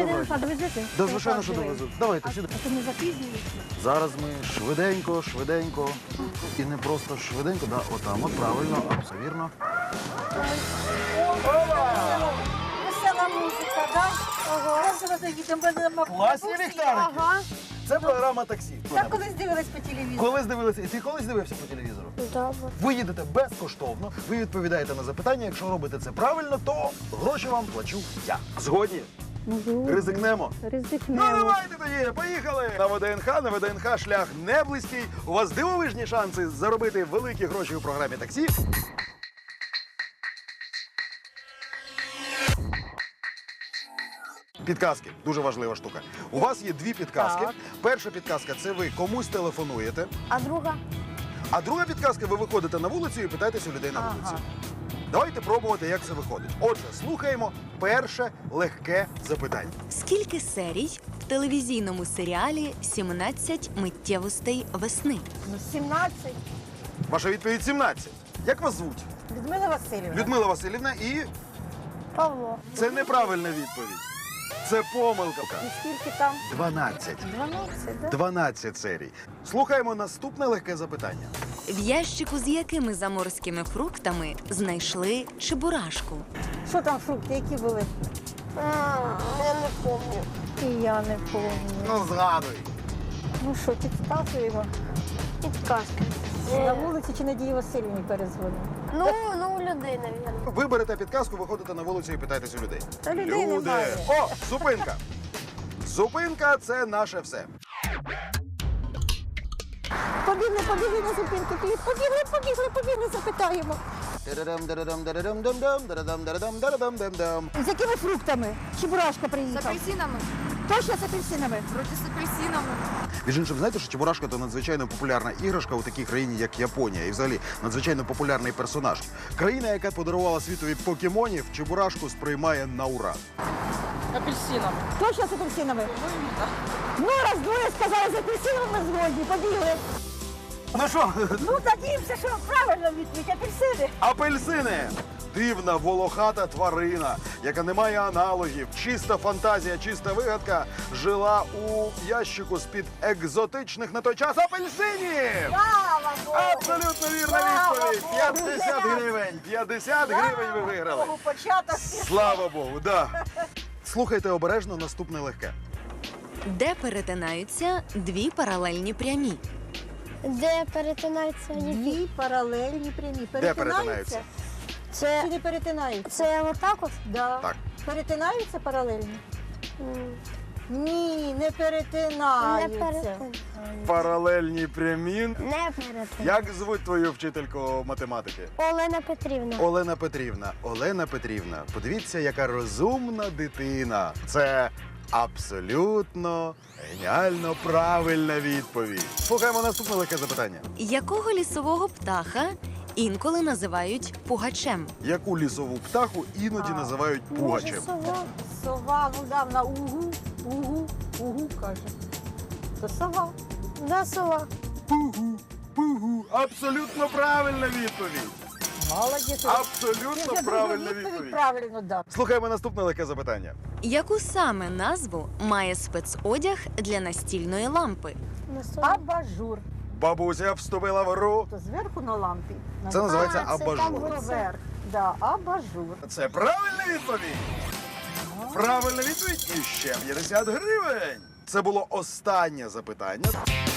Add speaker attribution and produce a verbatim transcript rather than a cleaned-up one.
Speaker 1: ВДНХ довезете?
Speaker 2: Да, звичайно, що довезу. Давайте,
Speaker 1: А
Speaker 2: сюди.
Speaker 1: то не запізнюєте?
Speaker 2: Зараз ми швиденько, швиденько. І не просто швиденько, да, отам, от правильно, абсолютно вірно.
Speaker 1: Весела музика, так? Ага.
Speaker 2: Класні ліхтарики.
Speaker 1: Ага.
Speaker 2: Це програма таксі.
Speaker 1: Так колись дивилась по телевізору.
Speaker 2: Колись дивилися, і ти колись дивився по телевізору?
Speaker 1: Добре.
Speaker 2: Ви їдете безкоштовно, ви відповідаєте на запитання. Якщо робите це правильно, то гроші вам плачу я. Згодні? Ризикнемо? Ну,
Speaker 1: Ризикнемо.
Speaker 2: давайте тоді, поїхали! На ВДНХ, на ВДНХ шлях не близький. У вас дивовижні шанси заробити великі гроші у програмі таксі. Підказки дуже важлива штука. У вас є дві підказки.
Speaker 1: Так.
Speaker 2: Перша підказка це ви комусь телефонуєте.
Speaker 1: А друга?
Speaker 2: А друга підказка, ви виходите на вулицю і питаєтесь у людей на
Speaker 1: Ага.
Speaker 2: вулиці. Давайте пробувати, як це виходить. Отже, слухаємо перше легке запитання.
Speaker 3: Скільки серій в телевізійному серіалі «сімнадцять миттєвостей весни»?
Speaker 1: Ну, сімнадцять.
Speaker 2: Ваша відповідь сімнадцять. Як вас звуть?
Speaker 1: Людмила Васильівна.
Speaker 2: Людмила Васильівна, і
Speaker 1: Павло.
Speaker 2: це неправильна відповідь. Це помилка.
Speaker 1: І скільки там?
Speaker 2: дванадцять.
Speaker 1: дванадцять, так?
Speaker 2: дванадцять серій. Слухаємо наступне легке запитання.
Speaker 3: В ящику з якими заморськими фруктами знайшли чебурашку?
Speaker 1: Що там фрукти, які були? Я не пам'ятаю. І я не пам'ятаю.
Speaker 2: Ну, згадуй.
Speaker 1: Ну що, підказуємо?
Speaker 4: Підказки.
Speaker 1: На вулиці чи Надії Васильівні перезвонимо?
Speaker 4: Ну, ну, у людей, мабуть.
Speaker 2: Ви берете підказку, виходите на вулицю і питаєтесь у людей.
Speaker 1: Та людей немає.
Speaker 2: О, зупинка. Зупинка – це наше все.
Speaker 1: Побігли, побігли на зупинку. Побігли, побігли, побігли, запитаємо. З якими фруктами? Чебурашка
Speaker 5: З
Speaker 1: приїхав.
Speaker 5: апельсинами.
Speaker 1: Точно з апельсинами?
Speaker 5: Вроді з апельсинами.
Speaker 2: Між іншим, знаєте, що Чебурашка – це надзвичайно популярна іграшка у такій країні, як Японія. І взагалі надзвичайно популярний персонаж. Країна, яка подарувала світові покемонів, Чебурашку сприймає на ура.
Speaker 5: Апельсинами.
Speaker 1: Точно з апельсинами? Ну, раз двоє сказали, з апельсинами ми згодні, побігли.
Speaker 2: Ну що,
Speaker 1: Ну, надіємося, що правильно відповідь апельсини.
Speaker 2: апельсини! Дивна волохата тварина, яка не має аналогів, чиста фантазія, чиста вигадка, жила у ящику з-під екзотичних на той час апельсинів!
Speaker 1: Слава Богу!
Speaker 2: Абсолютно вірна
Speaker 1: Слава
Speaker 2: відповідь!
Speaker 1: Богу!
Speaker 2: п'ятдесят гривень! п'ятдесят гривень ви виграли!
Speaker 1: Богу, початок.
Speaker 2: Слава Богу, да. Слухайте обережно наступне легке.
Speaker 3: Де перетинаються дві паралельні прямі?
Speaker 4: Де перетинаються які?
Speaker 1: Дві паралельні прямі.
Speaker 2: перетинаються?
Speaker 1: Перетинаються?
Speaker 4: Це,
Speaker 1: Чи не перетинаються?
Speaker 4: це отак от?
Speaker 1: Да.
Speaker 2: Так.
Speaker 1: Перетинаються паралельні?
Speaker 4: М,
Speaker 1: Ні, не
Speaker 4: Не
Speaker 1: перетинаються.
Speaker 4: перетинаються.
Speaker 2: Паралельні прямі.
Speaker 4: Не перетинаються.
Speaker 2: Як звуть твою вчительку математики?
Speaker 4: Олена Петрівна.
Speaker 2: Олена Петрівна. Олена Петрівна, подивіться, яка розумна дитина. Це абсолютно геніально правильна відповідь. Слухаємо наступне легке запитання.
Speaker 3: Якого лісового птаха інколи називають пугачем?
Speaker 2: Яку лісову птаху іноді
Speaker 1: А,
Speaker 2: називають
Speaker 4: Може,
Speaker 2: пугачем?
Speaker 4: сова?
Speaker 1: Сова, ну да, на угу, угу, угу, каже. То сова.
Speaker 4: Да, сова.
Speaker 2: Пугу, пугу. Абсолютно правильна відповідь.
Speaker 1: Молодець.
Speaker 2: Абсолютно
Speaker 1: Ти
Speaker 2: правильна
Speaker 1: відповідь
Speaker 2: відповідь.
Speaker 1: правильно дав.
Speaker 2: Слухаємо наступне легке запитання.
Speaker 3: Яку саме назву має спецодяг для настільної лампи?
Speaker 4: На сова.
Speaker 1: Абажур.
Speaker 2: Бабуся вступила в гру.
Speaker 1: То зверху на лампі.
Speaker 2: Це називається
Speaker 4: А, це
Speaker 2: абажур.
Speaker 4: там було.
Speaker 1: Вверх. Да, абажур.
Speaker 2: Це правильна відповідь. Правильна відповідь і ще п'ятдесят гривень. Це було останнє запитання.